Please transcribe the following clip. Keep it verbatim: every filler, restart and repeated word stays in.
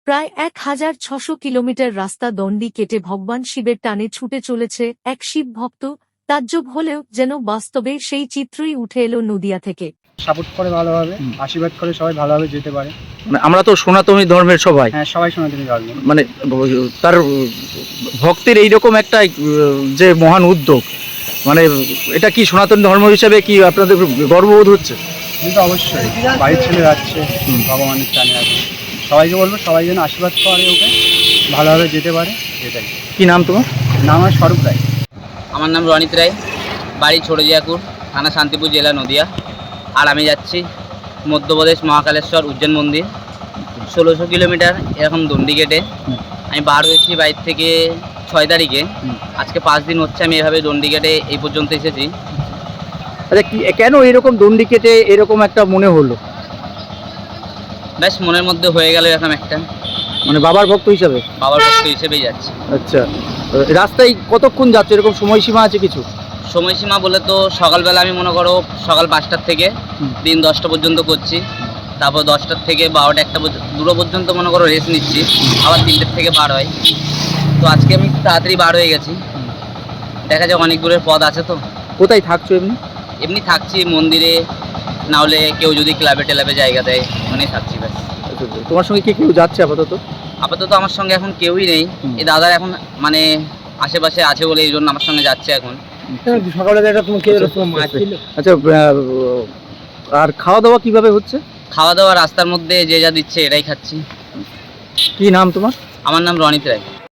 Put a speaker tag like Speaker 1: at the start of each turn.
Speaker 1: প্রায় এক হাজার ছশো কিলোমিটার রাস্তা দণ্ডি কেটে ভগবান শিবের টানে ছুটে চলেছে এক শিব ভক্ত। তাজ্জব হলেও যেন বাস্তবে সেই চিত্রই উঠে এলো নদিয়া থেকে।
Speaker 2: সাপোর্ট করে ভালোভাবে, আশীর্বাদ করে সবাই ভালোভাবে যেতে পারে।
Speaker 3: মানে আমরা তো সনাতনী ধর্মের সবাই,
Speaker 2: হ্যাঁ সবাই সনাতনী ধর্ম।
Speaker 3: মানে তার ভক্তের এইরকম একটা যে মহান উদ্যোগ, মানে এটা কি সনাতন ধর্ম হিসেবে কি আপনাদের গর্ববোধ হচ্ছে?
Speaker 2: কিন্তু অবশ্যই বাড়ির ছেলে যাচ্ছে ভগবানের টানে আছে, সবাইকে বলবো সবাই যেন আশীর্বাদ করে, ওকে ভালোভাবে যেতে পারে, এটাই।
Speaker 3: কি নাম তোমার?
Speaker 2: নাম আমার স্বরূপ রায়।
Speaker 4: আমার নাম রনিত রায়, বাড়ি ছোটজিয়াকুর, থানা শান্তিপুর, জেলা নদিয়া। আর আমি যাচ্ছি মধ্যপ্রদেশ মহাকালেশ্বর উজ্জৈন মন্দির, ষোলোশো কিলোমিটার এরকম দণ্ডি কেটে। আমি বার হয়েছি বাইর থেকে ছয় তারিখে, আজকে পাঁচ দিন হচ্ছে আমি এভাবে দণ্ডি কেটে এই পর্যন্ত এসেছি।
Speaker 3: আচ্ছা, কি কেন এরকম দণ্ডি কেটে এরকম একটা মনে হলো?
Speaker 4: ব্যাস মনের মধ্যে হয়ে গেল এরকম একটা,
Speaker 3: মানে বাবার ভক্ত হিসাবে?
Speaker 4: বাবার ভক্ত হিসেবেই যাচ্ছি।
Speaker 3: আচ্ছা, রাস্তায় কতক্ষণ যাচ্ছে, এরকম সময়সীমা আছে কিছু?
Speaker 4: সময়সীমা বলে তো সকালবেলা আমি মনে করো সকাল পাঁচটার থেকে দিন দশটা পর্যন্ত করছি, তারপর দশটার থেকে বারোটা একটা দুটো পর্যন্ত মনে করো রেস্ট নিচ্ছি, আবার তিনটের থেকে বার হয়। তো আজকে আমি তাড়াতাড়ি বার হয়ে গেছি, দেখা যাক অনেক দূরের পথ আছে। তো
Speaker 3: কোথায় থাকছো এমনি?
Speaker 4: এমনি থাকছি মন্দিরে, না হলে কেউ যদি ক্লাবে টেলাবে জায়গা দেয় ওখানেই থাকছি ব্যাস।
Speaker 3: তোমার সঙ্গে কি কেউ যাচ্ছে আপাতত?
Speaker 4: আপাতত আমার সঙ্গে এখন কেউই নেই, এই দাদার এখন মানে আশেপাশে আছে বলে এই জন্য আমার সঙ্গে যাচ্ছে এখন।
Speaker 2: সকালে
Speaker 3: আচ্ছা, আর খাওয়া দাওয়া কিভাবে হচ্ছে?
Speaker 4: খাওয়া দাওয়া রাস্তার মধ্যে যে যা দিচ্ছে এটাই খাচ্ছি।
Speaker 3: কি নাম তোমার?
Speaker 4: আমার নাম রনিত রায়।